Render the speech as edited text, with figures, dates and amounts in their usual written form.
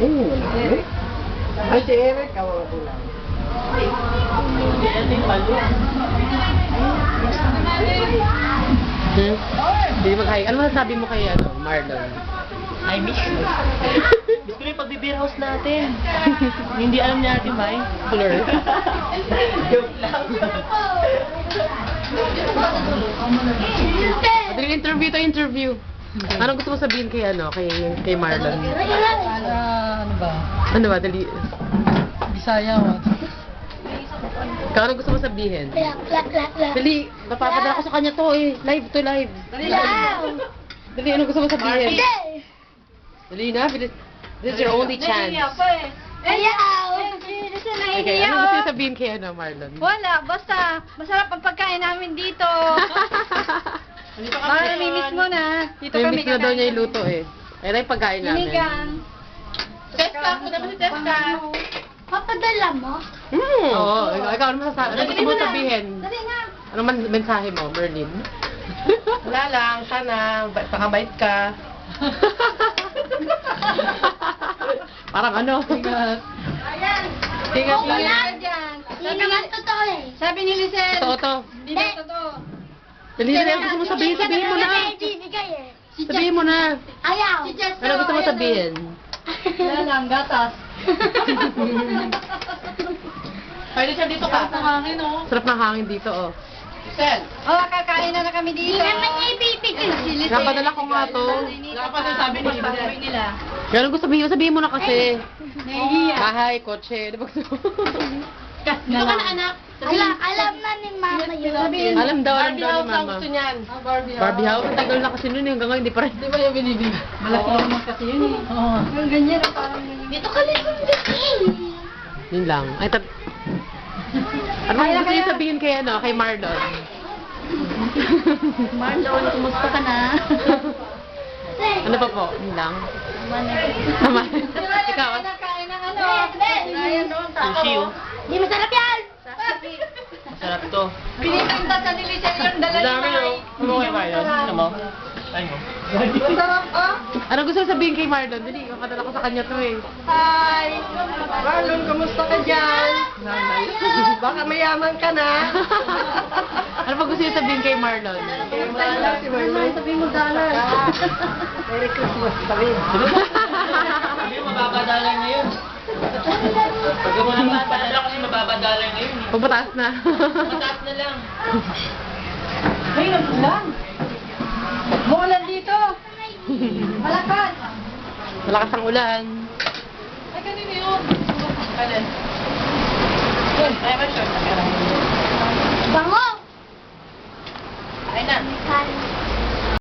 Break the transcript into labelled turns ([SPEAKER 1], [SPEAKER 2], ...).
[SPEAKER 1] Eric? Ay, si Eric, kawawa ko lang.
[SPEAKER 2] Hindi mag-hi. Ano masasabi mo kay Marlon?
[SPEAKER 3] I miss you. Miss ko na yung pag-beer house natin. Hindi alam niya natin ba eh.
[SPEAKER 2] Blur.
[SPEAKER 3] Joke lang.
[SPEAKER 2] Madali interview. Anong gusto mo sabihin kay kay Marlon?
[SPEAKER 1] Ano ba?
[SPEAKER 2] Ano ba, dali.
[SPEAKER 1] Bisaya mo.
[SPEAKER 2] Ikaw, anong gusto mo sabihin? Dali, napapadala ko sa kanya to eh. Live. Dali, anong gusto mo sabihin? Dali na, bilis. This is your only chance. Okay, anong gusto mo sabihin kay Marlon?
[SPEAKER 4] Wala, basta masarap ang pagkain namin dito. Baka namimiss mo na. Dito kami
[SPEAKER 2] May miss na daw niya yung luto eh. Ayun yung pagkain namin.
[SPEAKER 4] Sinigang.
[SPEAKER 3] Teska, punta mo si Teska.
[SPEAKER 4] Papadala mo?
[SPEAKER 2] Oo, ikaw ano masasabi? Ano gusto mo sabihin?
[SPEAKER 4] Dali na.
[SPEAKER 2] Ano man mensahe mo, Merlin?
[SPEAKER 3] Wala lang, sana pakabait ka.
[SPEAKER 2] Parang ano?
[SPEAKER 4] Ayan.
[SPEAKER 3] Ingat,
[SPEAKER 4] Wala
[SPEAKER 3] ingat.
[SPEAKER 4] dyan. Hindi naman totoo eh. Sabi ni Lisel.
[SPEAKER 2] Totoo to.
[SPEAKER 4] Hindi na totoo.
[SPEAKER 2] Dali na, gusto mo sabihin mo na. Sabihin mo na.
[SPEAKER 4] Ayaw.
[SPEAKER 2] Ano gusto mo sabihin?
[SPEAKER 4] Wala lang, gatas.
[SPEAKER 3] Ay, Lisel, dito ka.
[SPEAKER 4] hangin oh.
[SPEAKER 2] Sarap ng hangin dito, oh.
[SPEAKER 3] Lisel.
[SPEAKER 4] Oh, kakain na kami dito. Hindi naman niya ibibigay.
[SPEAKER 2] Napadala ko nga to.
[SPEAKER 3] Wala pa din sabi nila.
[SPEAKER 2] Kaya ano gusto sabihin mo na kasi.
[SPEAKER 4] Nahihiya.
[SPEAKER 2] Bahay, kotse, di ba gusto mo?
[SPEAKER 3] Dito ka na, anak.
[SPEAKER 4] Alam na ni Mama yun.
[SPEAKER 2] Alam daw
[SPEAKER 3] Barbie
[SPEAKER 2] ni
[SPEAKER 3] house ang
[SPEAKER 2] Mama.
[SPEAKER 3] gusto niyan.
[SPEAKER 2] Barbie house, ang tagal na kasi nun eh, hanggang ngayon hindi pa rin.
[SPEAKER 3] Di ba yung binibig?
[SPEAKER 4] Malaki naman kasi yun eh. Oo. Yung ganyan na parang dito ka lang
[SPEAKER 2] Yun lang. Ay, ano gusto niyo sabihin kay kay Marlon?
[SPEAKER 4] Marlon, kumusta ka na?
[SPEAKER 2] Ano pa po? Yun lang. Tama. Ikaw,
[SPEAKER 4] Kain ng ano? Ayan doon.
[SPEAKER 3] Sushi, oh.
[SPEAKER 4] Di masarap yan!
[SPEAKER 3] Sarap to.
[SPEAKER 4] Pinipinta sa ni Lisel yung dala ni
[SPEAKER 3] Dami,
[SPEAKER 4] Mai.
[SPEAKER 3] oh. Ano kayo, Marlon? Ano mo? Ay mo.
[SPEAKER 4] Masarap ah!
[SPEAKER 2] ano gusto mo sabihin kay Marlon? Dali, kapadala ko sa kanya to eh.
[SPEAKER 4] Hi!
[SPEAKER 1] Marlon, kamusta ka dyan? Baka mayaman ka na.
[SPEAKER 2] Ano pa gusto niyo sabihin kay Marlon?
[SPEAKER 1] Wala si Marlon.
[SPEAKER 4] Sabi mo dalan.
[SPEAKER 1] Merry Christmas pa rin.
[SPEAKER 3] Sabi mo, mababadalan ngayon. Pag mo na mababadala kasi mababadalan ngayon.
[SPEAKER 2] Pagpataas na.
[SPEAKER 3] Mataas na lang.
[SPEAKER 4] Ay, nagulan. Maulan dito. Malakas.
[SPEAKER 2] Malakas ang ulan.
[SPEAKER 3] Ay, kanina yun. Kanan. Ay,